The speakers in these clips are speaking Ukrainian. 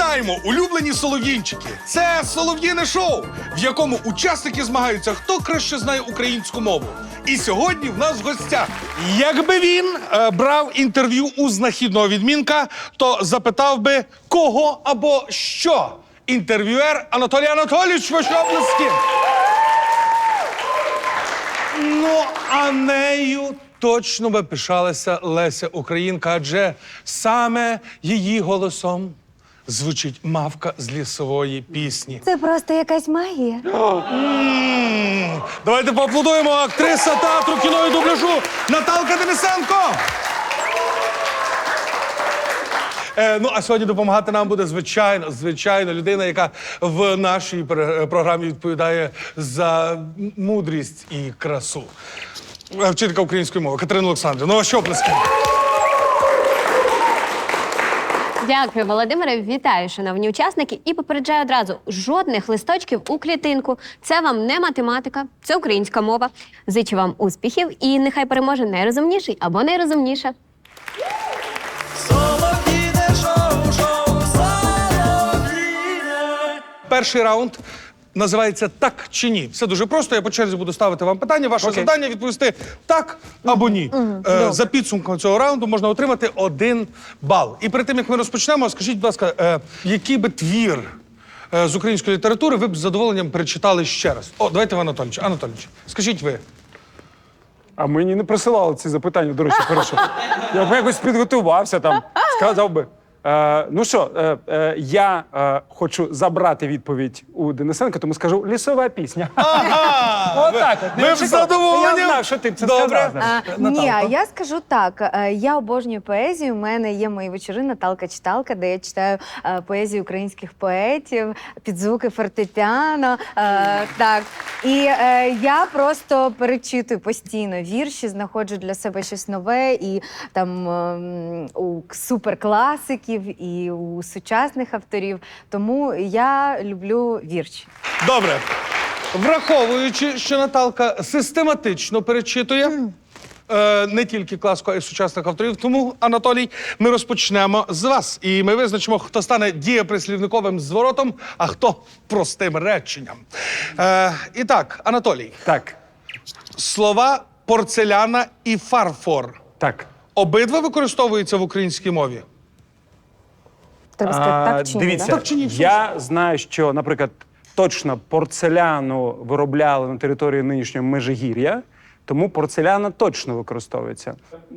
Вітаємо, улюблені солов'їнчики! Це солов'їне шоу, в якому учасники змагаються, хто краще знає українську мову. І сьогодні в нас в гостях. Якби він брав інтерв'ю у знахідного відмінка, то запитав би, кого або що. Інтерв'юер Анатолій Анатолійович, ваші оплески. Ну, а нею точно би пишалася Леся Українка, адже саме її голосом звучить мавка з лісової пісні. Це просто якась магія. Давайте поаплодуємо актриса театру, кіно і дубляжу Наталка Денисенко. Ну, а сьогодні допомагати нам буде звичайно, людина, яка в нашій програмі відповідає за мудрість і красу. Вчителька української мови Катерина Олександрівна. Ну, а що оплески? Дякую, Володимире. Вітаю, шановні учасники. І попереджаю одразу, жодних листочків у клітинку. Це вам не математика, це українська мова. Зичу вам успіхів і нехай переможе найрозумніший або найрозумніша. Перший раунд називається «Так чи ні». Все дуже просто, я по черзі буду ставити вам питання. Ваше завдання відповісти «так» або «ні». За підсумком цього раунду можна отримати 1 бал. І перед тим, як ми розпочнемо, скажіть, будь ласка, який би твір з української літератури ви б з задоволенням перечитали ще раз? О, давайте, Анатолійович. Анатолійович, скажіть ви. А мені не присилали ці запитання, до речі, хорошо. Я б якось підготувався там, сказав би. Ну що, я хочу забрати відповідь у Денисенка, тому скажу «Лісова пісня». Ага! Отак от. Ви б з задоволенням? Я знав, що ти б це Добре. сказав. знаєш. Ні, а я скажу так. Я обожнюю поезію. У мене є мої вечори «Наталка-читалка», де я читаю поезію українських поетів, під звуки фортепіано. Так. І я просто перечитую постійно вірші, знаходжу для себе щось нове і там у суперкласиків, і у сучасних авторів. Тому я люблю вірші. Добре. Враховуючи, що Наталка систематично перечитує не тільки класику, а й сучасних авторів, тому, Анатолій, ми розпочнемо з вас. І ми визначимо, хто стане дієприслівниковим зворотом, а хто простим реченням. І так, Анатолій. Так, Слова порцеляна і фарфор. так. Обидва використовуються в українській мові? Треба сказати так чи ні? Дивіться, Да? Так чи ні? я знаю, що, наприклад, точно порцеляну виробляли на території нинішнього Межигір'я, тому порцеляна точно використовується.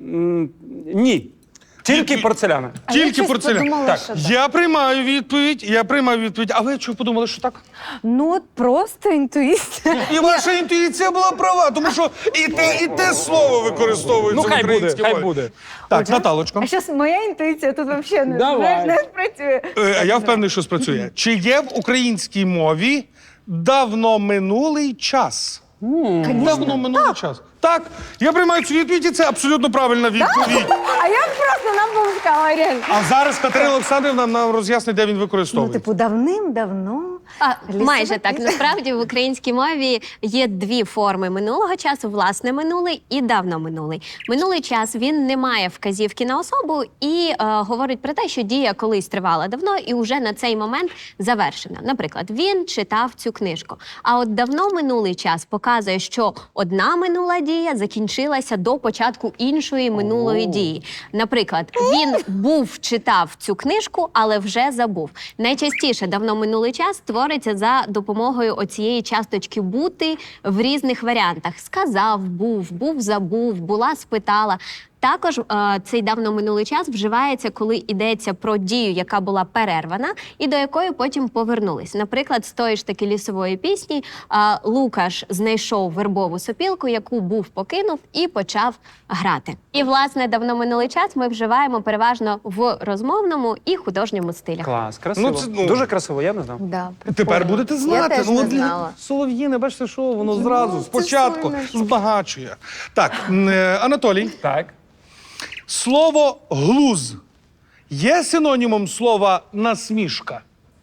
Ні, тільки порцеляна. А я Тільки щось порцеляна. подумала, Так. що так. Я приймаю відповідь. А ви чого подумали, що так? Ну, от просто інтуїція. І ваша інтуїція була права, тому що і те слово використовується Ну, в хай буде, українській хай мові. буде. Так, Наталочко. А зараз моя інтуїція тут взагалі Давай. не спрацює. А я впевнений, що спрацює. Чи є в українській мові давно минулий час? Давно минулий час. Так, я приймаю цю відповідь, і це абсолютно правильна відповідь. А я просто нам помскала, реально. А зараз Катерина Олександрівна нам роз'яснить, де він Ну, використовується. типу, давним-давно. Майже так. Насправді в українській мові є 2 форми минулого часу: власне минулий і давно минулий. Минулий час він не має вказівки на особу і говорить про те, що дія колись тривала давно і вже на цей момент завершена. Наприклад, він читав цю книжку. А от давно минулий час показує, що одна минула дія закінчилася до початку іншої минулої дії. Наприклад, він читав цю книжку, але вже забув. Найчастіше давно минулий час твориться за допомогою оцієї часточки «бути» в різних варіантах. Сказав, був, забув, була, спитала. Також цей давно минулий час вживається, коли йдеться про дію, яка була перервана і до якої потім повернулись. Наприклад, з тої ж таки лісової пісні Лукаш знайшов вербову сопілку, яку був покинув і почав грати. І, власне, давно минулий час ми вживаємо переважно в розмовному і художньому стилях. Клас, красиво. Ну, це, Дуже красиво, я не знав. Да, Тепер будете знати. Я теж не знала. Солов'їне, бачите, що воно зразу, спочатку збагачує. Так, Анатолій. Так. Слово «глуз» є синонімом слова «насмішка»?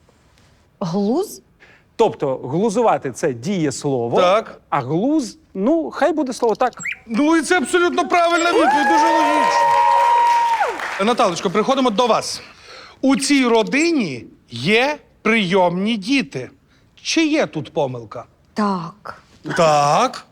Глуз? Тобто глузувати – це дієслово, Так. а глуз, ну, хай буде слово так. Ну і це абсолютно правильна відповідь, дуже логічно. Наталочко, приходимо до вас. У цій родині є прийомні діти. Чи є тут помилка? Так. Так.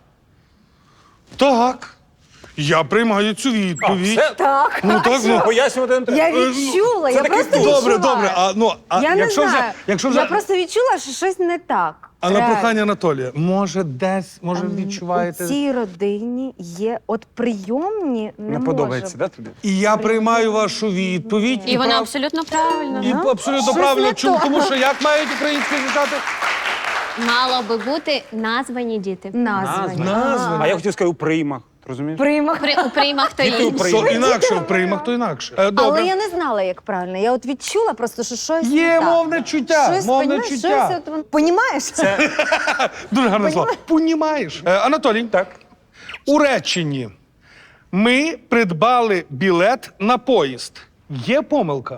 Так. Я приймаю цю відповідь. Це Так. Ну так, ну. пояснювати не треба. Я відчула, я такий просто добре, відчула. Добре. Я не знаю. Якщо Я вже просто відчула, що щось не так. а на Реально. прохання Анатолія, може відчуваєте? У цій родині є от прийомні Не подобається, да, тобі? І я приймаю вашу відповідь. І вона прав- абсолютно правильна. І абсолютно Щось правильно. не Чому? то. Тому що як мають українські звучати? Мало би бути названі діти. Названі. Названі. А я хотів сказати у приймах. Ти розумієш? Приймах. У приймах то Діти у інші. приймах. То інакше в приймах, то інакше. Добре. Але я не знала, як правильно. Я от відчула просто, що щось не Є так. мовне чуття. Щось, Мовне понімаєш, чуття. щось от, понімаєш? Дуже гарне слово. Понімаєш. Анатолій, Так. у реченні ми придбали білет на поїзд. Є помилка?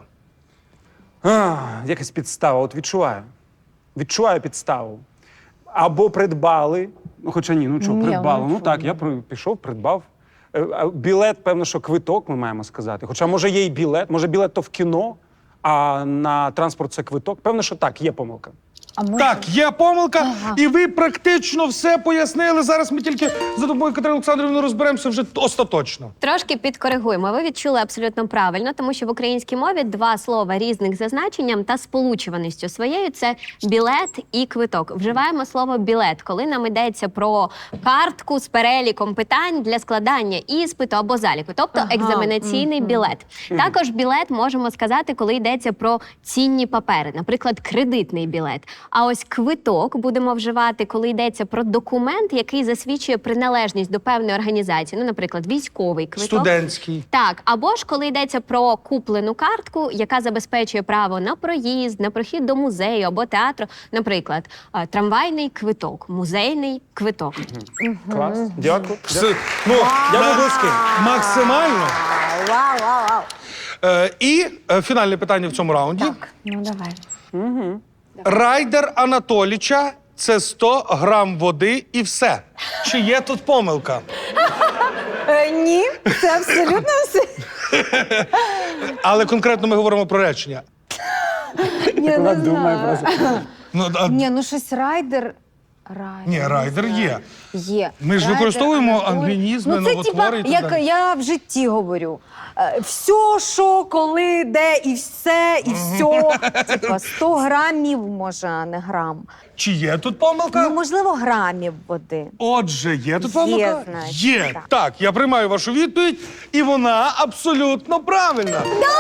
Якась підстава, от відчуваю. Відчуваю підставу. Або придбали, ну хоча ні, ну що, Ні, придбали. ну Ну так, я пішов, придбав. А білет, певно, що квиток ми маємо сказати. Хоча, може, є і білет, може, білет то в кіно, а на транспорт це квиток. Певно, що так, є помилка. А може... Так, є помилка, і ви практично все пояснили. Зараз ми тільки за допомогою Катерини Олександрівни розберемося вже остаточно. Трошки підкоригуємо. Ви відчули абсолютно правильно, тому що в українській мові два слова різних за значенням та сполучуваністю своєю це білет і квиток. Вживаємо слово білет, коли нам йдеться про картку з переліком питань для складання іспиту або заліку, тобто екзаменаційний білет. Також білет можемо сказати, коли йдеться про цінні папери, наприклад, кредитний білет. А ось квиток будемо вживати, коли йдеться про документ, який засвідчує приналежність до певної організації, ну, наприклад, військовий квиток. Студентський. Так, або ж коли йдеться про куплену картку, яка забезпечує право на проїзд, на прохід до музею або театру, наприклад, трамвайний квиток, музейний квиток. Клас. Дякую. Ну, Я був близький. максимально. Вау, вау, вау. І фінальне питання в цьому раунді. Ну, давай. Райдер Анатоліча – це 100 грам води і все. Чи є тут помилка? Ні, це абсолютно все. Але конкретно ми говоримо про речення. Я Вона не думає знаю. просто. Ні, ну щось райдер. Ні, райдер є. Є. Ми ж Райдер, використовуємо Анатолій. англінізми, Ну, це новотвори і так як далі. я в житті говорю. Все, що, коли, де, і все, і все. Типа 100 грамів, може, а не грам. Чи є тут помилка? Ну, можливо, грамів води. Отже, є тут Є, помилка? значить, Є. так. Так, я приймаю вашу відповідь, і вона абсолютно правильна.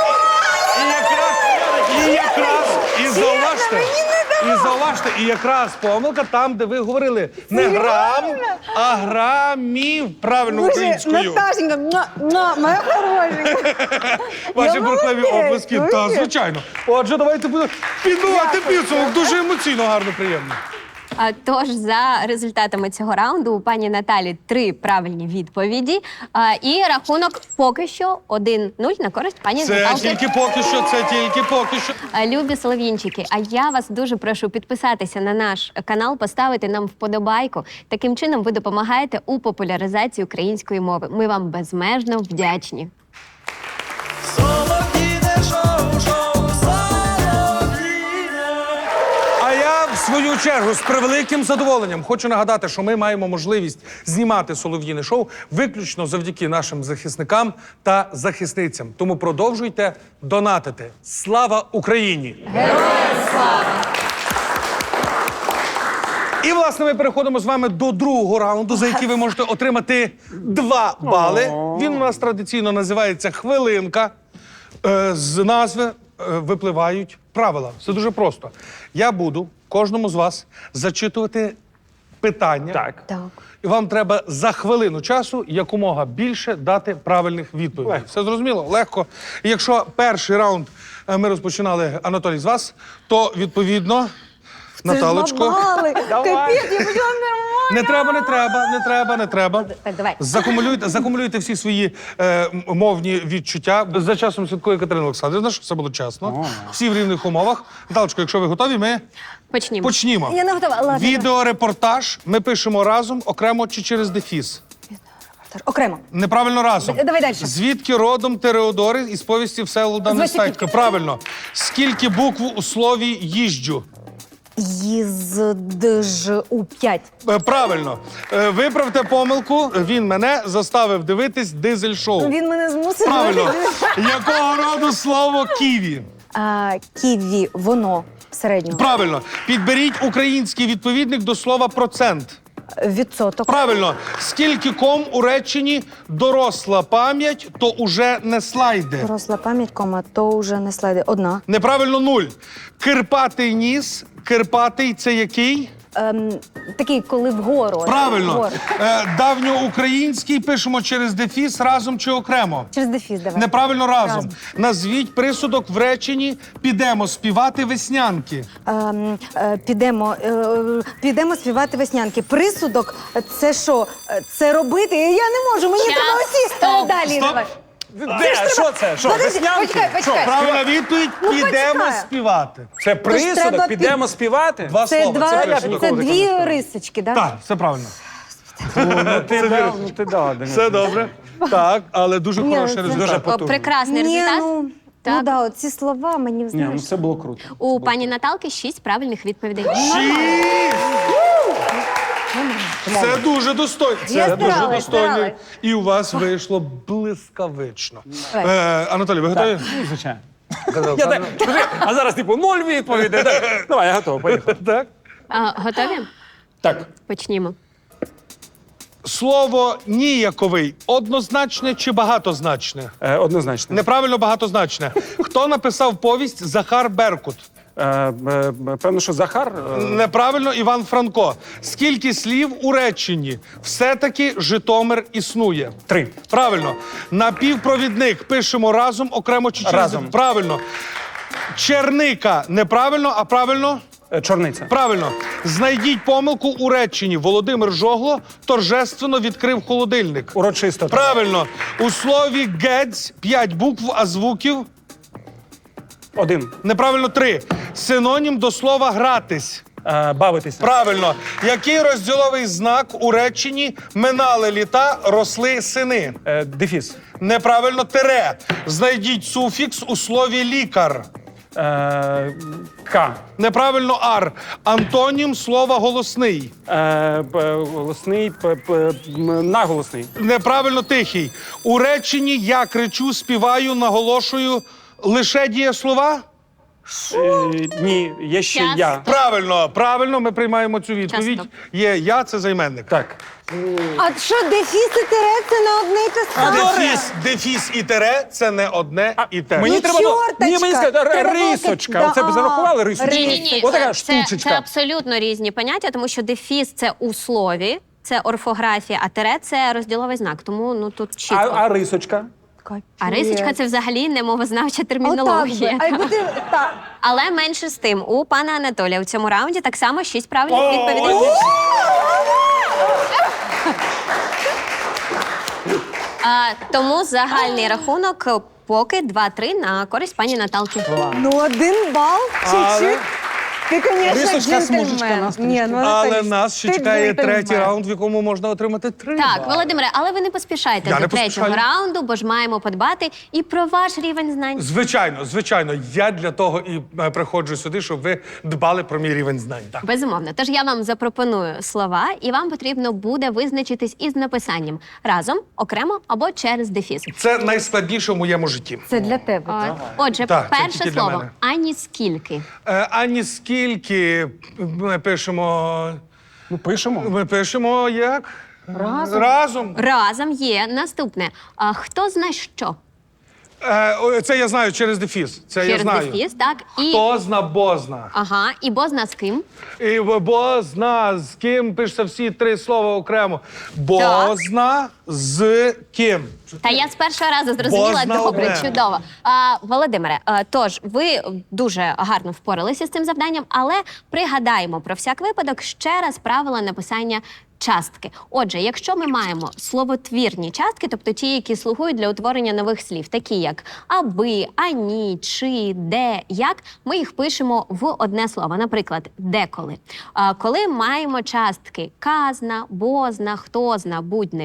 І зауважте, і якраз помилка там, де ви говорили не грам, а грамів. Правильно українською. Наташенька, моя хорошенька. Ваші Я бурхливі молодець, оплески. Та, молодець. звичайно. Отже, давайте будемо підбивати підсумок. Дуже емоційно, гарно, приємно. Тож, за результатами цього раунду у пані Наталі 3 правильні відповіді. І рахунок поки що 1-0 на користь пані Це Наталки. тільки поки що, це тільки поки що. Любі солов'їнчики, а я вас дуже прошу підписатися на наш канал, поставити нам вподобайку. Таким чином ви допомагаєте у популяризації української мови. Ми вам безмежно вдячні. А я, в свою чергу, з превеликим задоволенням хочу нагадати, що ми маємо можливість знімати «Солов'їне шоу» виключно завдяки нашим захисникам та захисницям. Тому продовжуйте донатити. Слава Україні! Героям слава! І, власне, ми переходимо з вами до другого раунду, за який ви можете отримати 2 бали. Він у нас традиційно називається «Хвилинка». З назви випливають правила. Все дуже просто. Я буду кожному з вас зачитувати питання. Так. Так. І вам треба за хвилину часу якомога більше дати правильних відповідей. Легко. Все зрозуміло? Легко. І якщо перший раунд ми розпочинали, Анатолій, з вас, то, відповідно, Наталочко... Давай. Давай. Капець, я почала нормально. Не треба. Так, давай. Закумулюйте всі свої мовні відчуття. За часом слідкує Катерина Олександрівна, щоб все було чесно. Всі в рівних умовах. Наталочко, якщо ви готові, ми Почнімо. почнімо. Я не готова. Ладно. Відеорепортаж ми пишемо разом, окремо чи через дефіс? Окремо. Неправильно разом. Давай далі. Звідки родом Тереодори із повісті Всеволода Нестайка? Правильно. Скільки букв у слові «їжджу»? Їздж-у 5. Правильно. Виправте помилку. Він мене заставив дивитись дизель-шоу. Він мене змусив. Правильно. Якого роду слово «ківі»? Ківі, воно середнього. Правильно. Підберіть український відповідник до слова «процент». Відсоток. Правильно. Скільки ком у реченні «доросла пам'ять, то уже не слайди»? Доросла пам'ять, кома, то вже не слайди. Одна. Неправильно 0. Кирпатий ніс. Кирпатий – це який? Такий, коли вгору. Правильно. Вгору. Давньоукраїнський пишемо через дефіс разом чи окремо? Через дефіс давай. Неправильно разом. Разом. Назвіть присудок в реченні «підемо співати веснянки». Підемо співати веснянки. Присудок – це що? Це робити? Я не можу, мені Час. треба оці. Стоп. Далі Стоп. давай. Де? Що це? Що, Подожди, веснянки? почекай. Правильна відповідь – підемо почекай. співати. Це треба присудок, підемо співати? Два Це, слова. Це це присудок. дві рисочки, так? Так, все правильно. Ти дав, Денис. Все добре. Так, але дуже Ні, хороший це- результат. Дуже О, потужно. прекрасний Ні, результат. ну Так. да, оці слова мені, Ні, знаєш. ну це було круто. У пані Наталки 6 правильних відповідей. Це дуже достойно. Я Це дуже старалась, достойно. старалась. І у вас вийшло блискавично. Давай. Анатолій, ви готові? Ну, звичайно. Я так, а зараз, типу, 0 відповідей. Так. Давай, я готовий, поїхали. Так. Готові? Так. Почнімо. Слово ніяковий однозначне чи багатозначне? Однозначно. Неправильно багатозначне. Хто написав повість Захар Беркут? Певно, що Захар. Неправильно Іван Франко. Скільки слів у реченні? Все-таки Житомир існує. 3. Правильно. Напівпровідник пишемо разом, окремо чи через... Разом. Правильно. Черника. Неправильно, а правильно? Чорниця. Правильно. Знайдіть помилку у реченні. Володимир Жогло торжественно відкрив холодильник. Урочисто. Правильно. У слові «гець» 5 букв, а звуків? 1. Неправильно 3. Синонім до слова «гратись». Бавитися. Правильно. Який розділовий знак у реченні «минали літа, росли сини»? Дефіс. Неправильно тире. Знайдіть суфікс у слові «лікар». К. Неправильно ар. Антонім слова «голосний». Голосний. Наголосний. Неправильно тихий. У реченні «я кричу, співаю, наголошую» лише дієслова? Ні, є ще Час. я. Правильно, ми приймаємо цю відповідь. Часто. Є «я» – це займенник. Так. А що, дефіс і тире – це не одне й те саме? Дефіс і тире – це не одне і те. Мені Ну, треба було. чорточка. Ні, мені сказали, Треба було рисочка. так- Оце б Да, зарахували рисочку. Ні. Отака Це штучечка. абсолютно різні поняття, тому що дефіс це у слові, це орфографія, а тире це розділовий знак. Тому ну тут чітко. А рисочка? А рисочка це взагалі не мовознавча термінологія. Отак би. А якби ти так. Але менше з тим, у пана Анатолія у цьому раунді так само 6 правильних відповідей. Тому загальний рахунок поки 2-3 на користь пані Наталки. Ну, 1 бал, чуть-чуть. Ти, звісно, Рисочка, смужечка джентльмен. нас Ні, ну, Але Анатолій, нас ще ти чекає джентльмен. третій раунд, в якому можна отримати 3 Так, бали. Володимире, але ви не поспішайте Я до не третього поспішаю. раунду, бо ж маємо подбати і про ваш рівень знань. Звичайно. Я для того і приходжу сюди, щоб ви дбали про мій рівень знань. Так. Безумовно. Тож я вам запропоную слова, і вам потрібно буде визначитись із написанням разом, окремо або через дефіс. Це найскладніше в моєму житті. Це для тебе. От. Отже, Так, це перше тільки для слово мене. ані скільки. Ані скільки ми пишемо. Ми пишемо. Як? Разом. Разом. Разом є наступне. Хто зна що? Це я знаю через дефіс. Це я Через знаю. дефіс, так? І Хто зна бозна. ага, і бозна з ким? І бозна з ким пишеться всі 3 слова окремо. Бозна з ким. Та я з першого разу зрозуміла. Бозна Добре, одне. чудово. Володимире, тож ви дуже гарно впоралися з цим завданням, але пригадаємо про всяк випадок ще раз правила написання частки. Отже, якщо ми маємо словотвірні частки, тобто ті, які слугують для утворення нових слів, такі як аби, ані, чи, де, як, ми їх пишемо в одне слово. Наприклад, деколи. Коли маємо частки казна, бозна, хтозна, будь-не будь,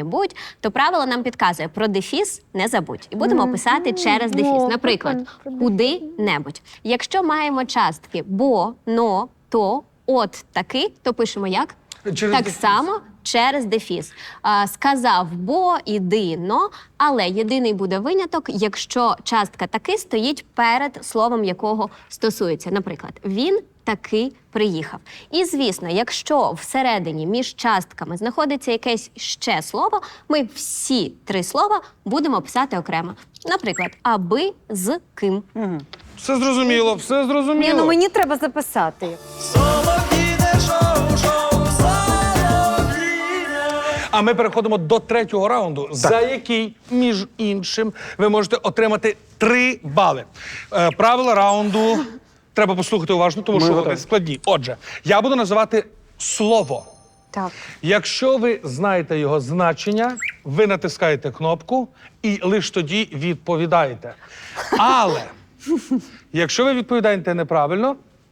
то правило нам підказує про дефіс не забудь. І будемо писати через дефіс. Наприклад, куди-небудь. Якщо маємо частки бо, но, то, от, таки, то пишемо як? Через так дефіс. само через дефіс. Сказав бо, іди, но, але єдиний буде виняток, якщо частка таки стоїть перед словом, якого стосується. Наприклад, він таки приїхав. І, звісно, якщо всередині між частками знаходиться якесь ще слово, ми всі 3 слова будемо писати окремо. Наприклад, аби з ким. Все зрозуміло, все зрозуміло. Ні, ну мені треба записати. А ми переходимо до 3-го раунду, за який, між іншим, ви можете отримати 3 бали. Правила раунду треба послухати уважно, тому що вони складні. Отже, я буду називати слово. Так. Якщо ви знаєте його значення, ви натискаєте кнопку і лише тоді відповідаєте. Але якщо ви відповідаєте неправильно,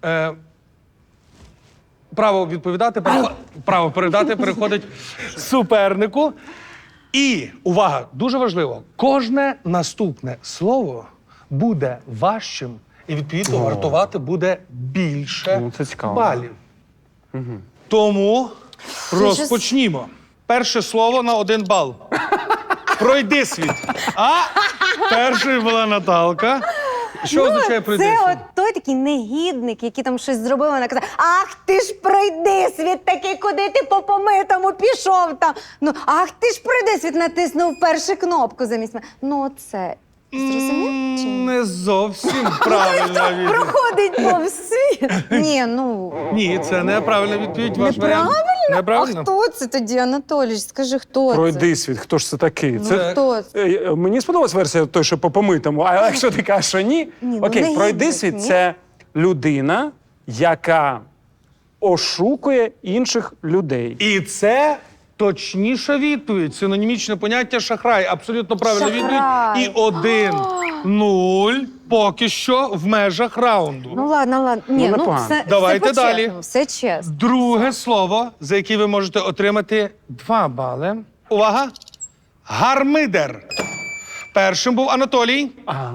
право відповідати, право передати переходить супернику. І, увага, дуже важливо, кожне наступне слово буде важчим і, відповідно, вартувати буде більше Ну, це цікаво. балів. Тому розпочнімо. Перше слово на 1 бал. Пройди світ. А першою була Наталка. Що означає пройди Це світ? от той такий негідник, який там щось зробив, вона казала, ах ти ж пройди світ такий, куди ти по помитому пішов там. Ну, ах ти ж пройди світ, натиснув першу кнопку замість мене. Ну, це зрозумів? Чи ні? Не зовсім правильна відповідь. Проходить повз світ. Ні, ну, Ні, це неправильна відповідь. Ваш варіант. а Неправильно? хто це тоді, Анатолійович? Скажи, хто це? Пройди світ, хто ж це такий? Це Хто це? Мені сподобалась версія той, що по помитому, а якщо ти кажеш, що ні, Ні, ну, окей, негідник, пройди світ ні. це людина, яка ошукує інших людей. І це точніша відповідь. Синонімічне поняття шахрай. Абсолютно правильна Шахрай. відповідь. І 1-0 поки що в межах раунду. Ну, ладно. Ні, ну, непогано. все, Давайте все далі. по-чесному, все чесно. Друге слово, за яке ви можете отримати 2 бали. Увага! Гармидер. Першим був Анатолій.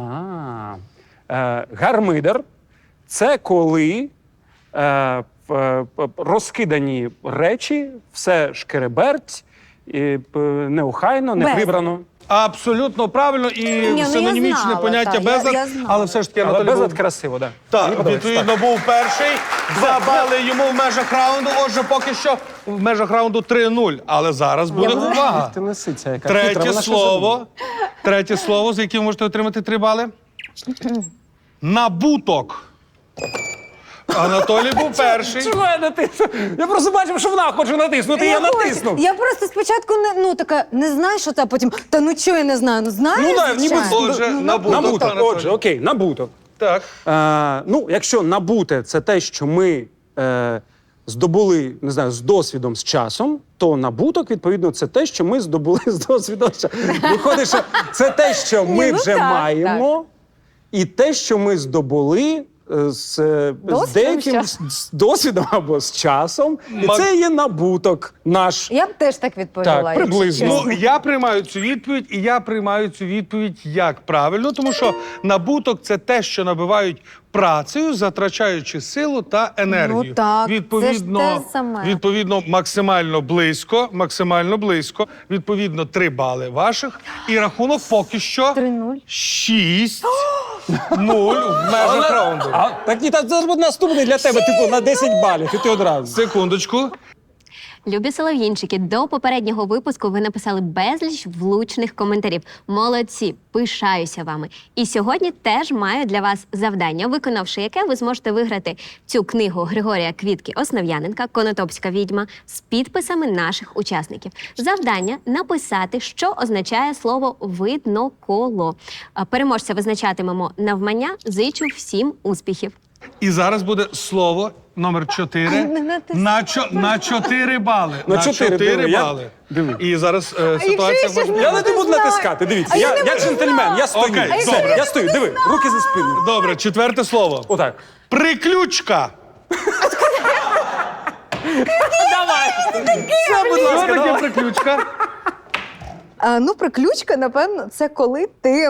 Гармидер це коли розкидані речі, все шкереберть, неохайно, не Безлад. прибрано. Абсолютно правильно і ну, я синонімічне знала, поняття так, безлад, я знала. але все ж таки Але Анатолій безлад був... красиво, так. Так, відповідно, був перший. 2 бали йому в межах раунду. Отже, поки що в межах раунду 3-0. Але зараз буде увага. Ти лисиця, яка хитра, Третє вона що слово. Третє слово, за яке ви можете отримати 3 бали. Набуток. Анатолій був перший. Чого я натиснув? Я просто бачив, що вона хоче натиснути, я натиснув. Я просто спочатку не знаю, що це, а потім, та ну чого я не знаю, ну знаю, Ну, да, ніби звичайно. Отже, набуток. Набуток, Анатолій. отже, окей, набуток. Так. Ну, якщо набуте це те, що ми здобули, не знаю, з досвідом, з часом, то набуток, відповідно, це те, що ми здобули з досвідом. Виходить, що це те, що ми ну вже так, маємо, і те, що ми здобули з деяким що? з досвідом або з часом. І це є набуток наш. Я б теж так відповіла. Так, якщо приблизно. чесно. Ну, я приймаю цю відповідь, і я приймаю цю відповідь як правильно, тому що набуток – це те, що набивають працею, затрачаючи силу та енергію. Ну так, це ж відповідно, те саме. відповідно, максимально близько. Відповідно, 3 бали ваших. І рахунок поки що 3-0. 6-0 в межах раунду. Так ні, так зараз буде наступний для тебе, типу, на 10 балів, і ти одразу. Секундочку. Любі солов'їнчики, до попереднього випуску ви написали безліч влучних коментарів. Молодці, пишаюся вами. І сьогодні теж маю для вас завдання, виконавши яке ви зможете виграти цю книгу Григорія Квітки Основ'яненка «Конотопська відьма» з підписами наших учасників. Завдання – написати, що означає слово «видноколо». Переможця визначатимемо навмання. Зичу всім успіхів. І зараз буде слово номер 4 на 4 бали. На 4, диви, я- бали. диви. І зараз ситуація ще може... не Я не буду знаю. натискати, дивіться. А я Я не буду джентльмен, я стою. Окей, Все, добре. я стою, диви, руки за спину. Добре, 4 слово. Отак. Приключка. Давай. Все, будь Що ласка, таке давай. приключка? Ну, приключка, напевно, це коли ти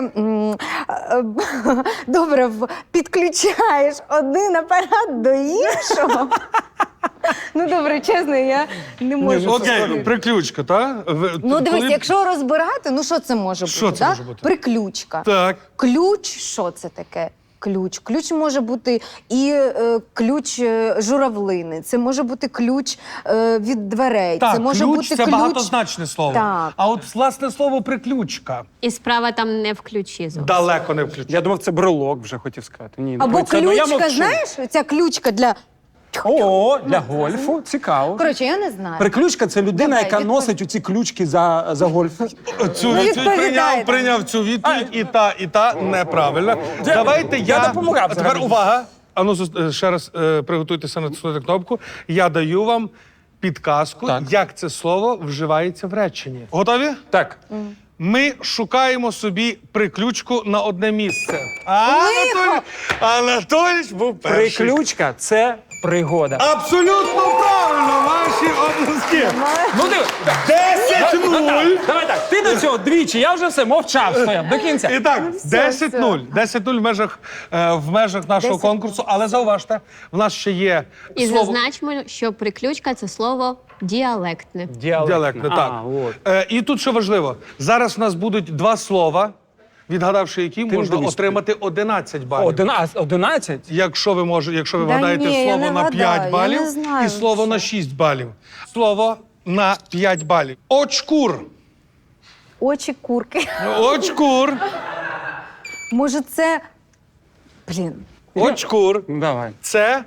добре підключаєш один апарат до іншого. Ну, добре, чесно, я не можу. Окей, приключка, так? Ну, дивись, якщо розбирати, ну що це може бути? Що це да? може бути? Приключка. Так. Ключ, що це таке? Ключ. Ключ може бути і ключ журавлини, це може бути ключ від дверей. Так, це може ключ бути це ключ... багатозначне слово. Так. А от власне слово приключка І справа там не в ключі зовсім. далеко не включена. Я думав, це брелок вже хотів сказати. Ні, Або це, ну, я ключка, мовчу. знаєш, ця ключка для... О, для гольфу. Цікаво. Коротше, я не знаю. Приключка – це людина, Давай, яка відповідь. носить оці ключки за гольф. Цю Ну, відповідь відповідай, прийняв цю відповідь, і та неправильно. Давайте я допомагав А тепер взагалі. увага. Ану, ще раз приготуйтеся натиснути кнопку. Я даю вам підказку, Так. як це слово вживається в реченні. Готові? Так. Ми шукаємо собі приключку на одне місце. Анатолійович був перший. Приключка – це пригода. Абсолютно правильно, ваші обласки. Ну, диви. 10-0. Давай так, ти до цього двічі, я вже все мовчав, стояв до кінця. І так, 10-0. 10-0 в межах нашого конкурсу. Але зауважте, в нас ще є І слово... зазначимо, що приключка це слово діалектне. Діалектне, так. От. І тут що важливо, зараз в нас будуть два слова, відгадавши які, не можна дивись. отримати 11 балів. 11? Якщо ви Да вгадаєте ні, я слово не на 5 вгадаю, я балів не знаю і слово на 6 балів. Слово на 5 балів. Очкур. Очі курки. Очкур. Може, це... Блін. Очкур. Ну, давай. Це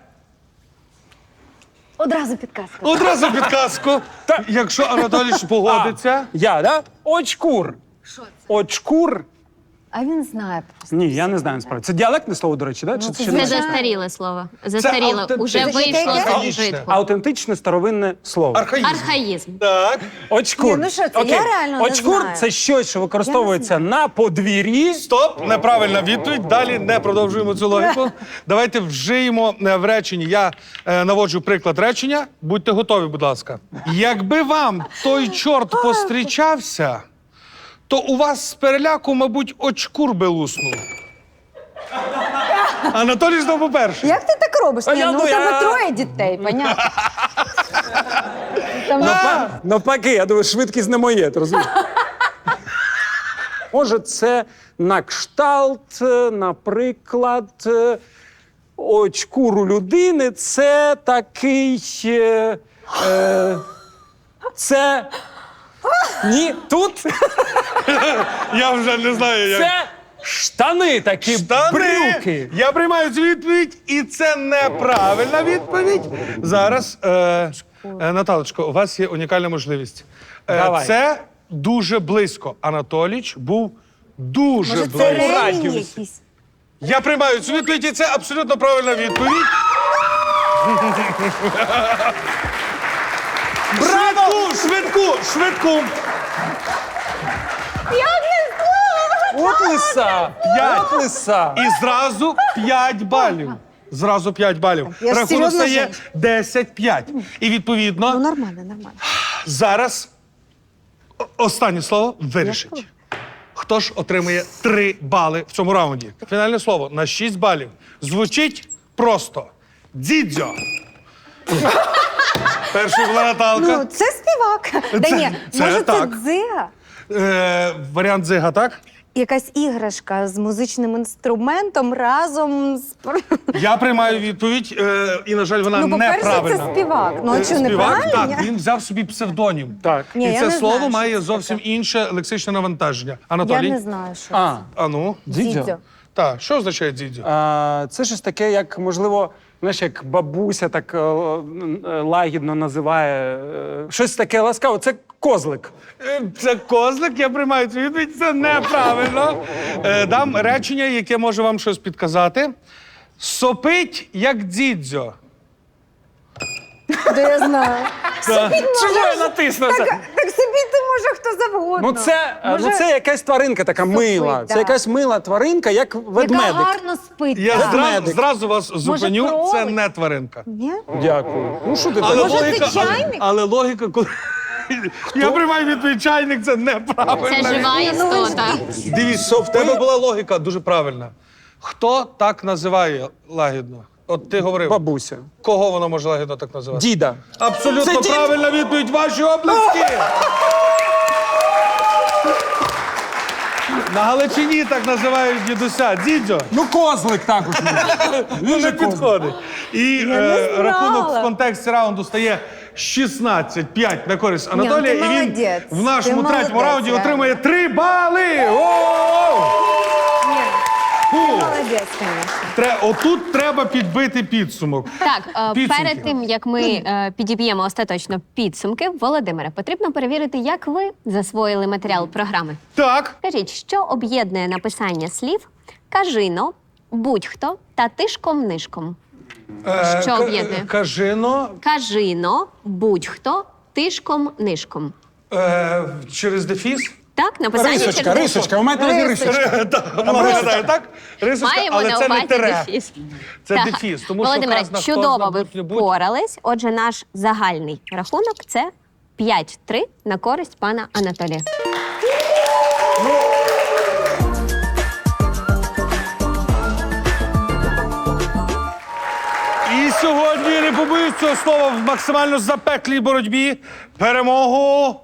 Одразу підказка. одразу підказку. Якщо Анатолійович погодиться. Я, да? Очкур. Що це? Очкур. А він знає просто. Ні, я не знаю насправді. Це діалектне слово, до речі, да? Чи це ще Це не? застаріле слово. Застаріле. автентичне. Уже Це вийшло з архаїчне. вжитку. Аутентичне старовинне слово. Архаїзм. Архаїзм. Так. Очкур. Ні, ну що це? Окей. Я реально не Очкур знаю. це щось, що використовується на подвір'ї. Стоп, неправильна відповідь. Далі не продовжуємо цю логіку. Давайте вжиємо в реченні. Я наводжу приклад речення. Будьте готові, будь ласка. Якби вам той чорт пострічався, то у вас з переляку, мабуть, очкур би луснув. Анатолій знову перший. Як ти так робиш? Ні, я ну у думаю, тебе троє дітей, понятно. Там... Навпаки, я думаю, швидкість не моє, ти розумієш? Може, це на кшталт, наприклад, очкуру людини. Це такий. Це. Ні, тут Я вже не знаю, як. це штани такі, брюки. Я приймаю цю відповідь, і це неправильна відповідь. Зараз, Наталочко, у вас є унікальна можливість. Давай. Це дуже близько. Анатоліч був дуже Може, це близько. ремінь радіусі. якийсь? Я приймаю цю відповідь, і це абсолютно правильна відповідь. Браво! Швидку! От лиса! П'ять. От лиса! І зразу 5 балів. Зразу 5 балів. Я ж Рахунок серйозно стає 10-5. І відповідно, Ну, нормально. зараз останнє слово вирішить. Хто ж отримує 3 бали в цьому раунді? Фінальне слово на 6 балів. Звучить просто. Дідзьо. Перший була Наталка. Ну, це співак. Да ні, це може, це так. дзига? Варіант дзига, так? Якась іграшка з музичним інструментом разом з... Я приймаю відповідь, і, на жаль, вона Ну, по-перше, неправильна. це співак. Ну, а що, Співак, неправильно? так, він взяв собі псевдонім. Так. Ні, І я це не слово знаю, має що це зовсім таке. інше лексичне навантаження. Я Анатолій? не знаю, що А, це. А ну? дідьо. Так, що означає дідзьо? Це щось таке, як, можливо, знаєш, як бабуся так лагідно називає. Щось таке ласкаве. Це козлик. Це козлик, я приймаю цю відповідь, це неправильно. Дам речення, яке може вам щось підказати. Сопить, як дідзьо. Да я знаю. Чому я натиснувся? Так собі ти може хто завгодно. Ну, це якась тваринка така мила. да. Це якась мила тваринка, як Яка ведмедик. гарно спить. Я так. зразу вас зупиню, кролик? це не тваринка. Ні? Дякую. Ну, що ти Але так? Може, це логіка, чайник? але логіка, коли... Я приймаю відповідь чайник, це неправильно. Це жива істота. Дивіться, в тебе була логіка дуже правильна. Хто так називає лагідно? От ти говорив. Бабуся. Кого вона може лагідно так називати? Діда. Абсолютно Це дід. правильна відповідь. Ваші оплески! На Галичині так називають дідуся. Дідьо. Ну, козлик також. Ну, не підходить. І не знала. рахунок в контексті раунду стає 16-5 на користь Анатолія. ти І він молодець. в нашому Ти третьому молодець, раунді реально. отримує 3 бали. О! Фу. Молодець, звісно. Отут треба підбити підсумок. Так, Підсумки. перед тим як ми підіб'ємо остаточно підсумки, Володимире, потрібно перевірити, як ви засвоїли матеріал програми. Так. Скажіть, що об'єднує написання слів кажино, будь-хто та тишком-нишком? Що об'єднує? Кажино Кажино, будь-хто, тишком-нишком. через дефіс. Так, написання Рисочка, через рисочка. Ви маєте на увазі рисочка. Вона виглядає так? Рисочка, Маємо але на це не увазі тире. дефіс. Це Так. дефіс. Тому що Володимире, вказано, хто чудово знав ви будь-будь. впорались. Отже, наш загальний рахунок – це 5-3 на користь пана Анатолія. І сьогодні, не побоюсь цього слова, в максимально запеклій боротьбі перемогу,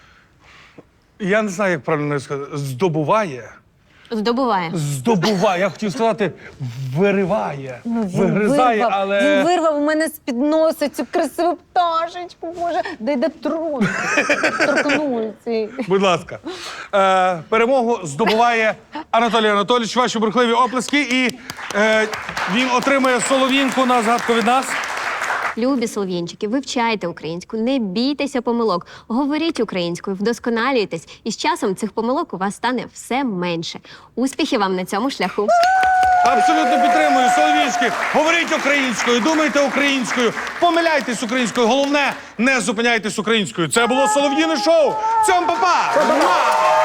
я не знаю, як правильно сказати, здобуває. Здобуває. Я хотів сказати, вириває. Ну, Вигризає, вирвав. але... Він вирвав у мене з-під носа цю красиву пташечку, Боже. Дай торкнувся. Будь ласка. Перемогу здобуває Анатолій Анатолійович. Ваші бурхливі оплески. І він отримує солов'їнку на згадку від нас. Любі солов'їнчики, вивчайте українську, не бійтеся помилок, говоріть українською, вдосконалюйтесь, і з часом цих помилок у вас стане все менше. Успіхів вам на цьому шляху! Абсолютно підтримую. Солов'їнські. Говоріть українською, думайте українською, помиляйтесь українською. Головне, не зупиняйтесь українською. Це було Солов'їне шоу. Цьом, па-па!